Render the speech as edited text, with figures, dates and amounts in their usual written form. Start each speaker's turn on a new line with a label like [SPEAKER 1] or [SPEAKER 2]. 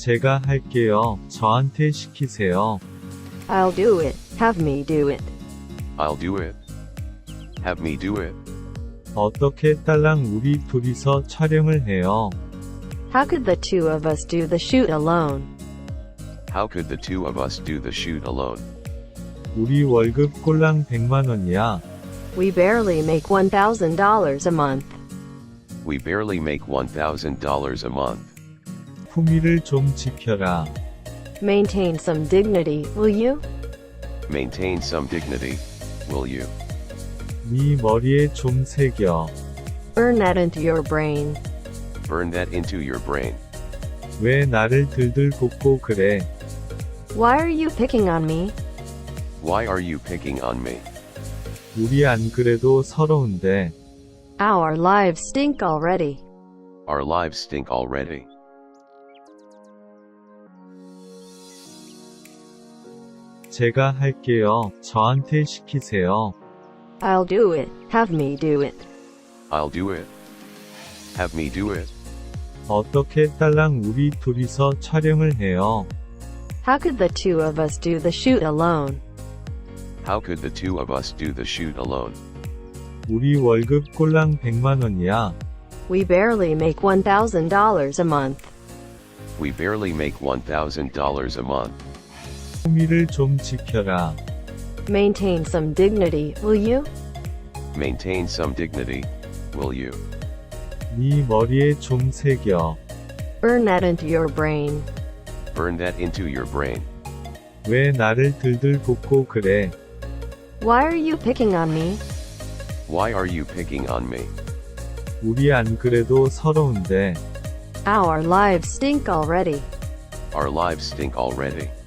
[SPEAKER 1] 제가 할게요. 저한테 시키세요.
[SPEAKER 2] I'll do it. Have me do it.
[SPEAKER 3] I'll do it. Have me do it.
[SPEAKER 1] 어떻게 딸랑 우리 둘이서 촬영을 해요?
[SPEAKER 2] How could the two of us do the shoot alone?
[SPEAKER 3] How could the two of us do the shoot alone?
[SPEAKER 1] 우리 월급 꼴랑 100만 원이야.
[SPEAKER 2] We barely make $1,000 a month.
[SPEAKER 3] We barely make $1,000 a month.
[SPEAKER 1] 품위를 좀 지켜라.
[SPEAKER 2] Maintain some dignity, will you?
[SPEAKER 3] Maintain some dignity, will you?
[SPEAKER 1] 네 머리에 좀 새겨.
[SPEAKER 2] Burn that into your brain.
[SPEAKER 3] Burn that into your brain.
[SPEAKER 1] 왜 나를 들들 볶고 그래?
[SPEAKER 2] Why are you picking on me?
[SPEAKER 3] Why are you picking on me?
[SPEAKER 1] 우리 안 그래도 서러운데.
[SPEAKER 2] Our lives stink already.
[SPEAKER 3] Our lives stink already.
[SPEAKER 1] 제가 할게요. 저한테 시키세요.
[SPEAKER 2] I'll do it. Have me do it.
[SPEAKER 3] I'll do it. Have me do it.
[SPEAKER 1] 어떻게 딸랑 우리 둘이서 촬영을 해요?
[SPEAKER 2] How could the two of us do the shoot alone?
[SPEAKER 3] How could the two of us do the shoot alone?
[SPEAKER 1] 우리 월급 꼴랑 100만 원이야.
[SPEAKER 2] We barely make $1,000 a month.
[SPEAKER 3] We barely make $1,000 a month.
[SPEAKER 1] 품위를 좀 지켜라.
[SPEAKER 2] Maintain some dignity, will you?
[SPEAKER 3] Maintain some dignity, will you?
[SPEAKER 1] 네 머리에 좀 새겨.
[SPEAKER 2] Burn that into your brain.
[SPEAKER 3] Burn that into your brain.
[SPEAKER 1] 왜 나를 들들 볶고 그래?
[SPEAKER 2] Why are you picking on me?
[SPEAKER 3] Why are you picking on me?
[SPEAKER 1] 우리 안 그래도 서러운데.
[SPEAKER 2] Our lives stink already.
[SPEAKER 3] Our lives stink already.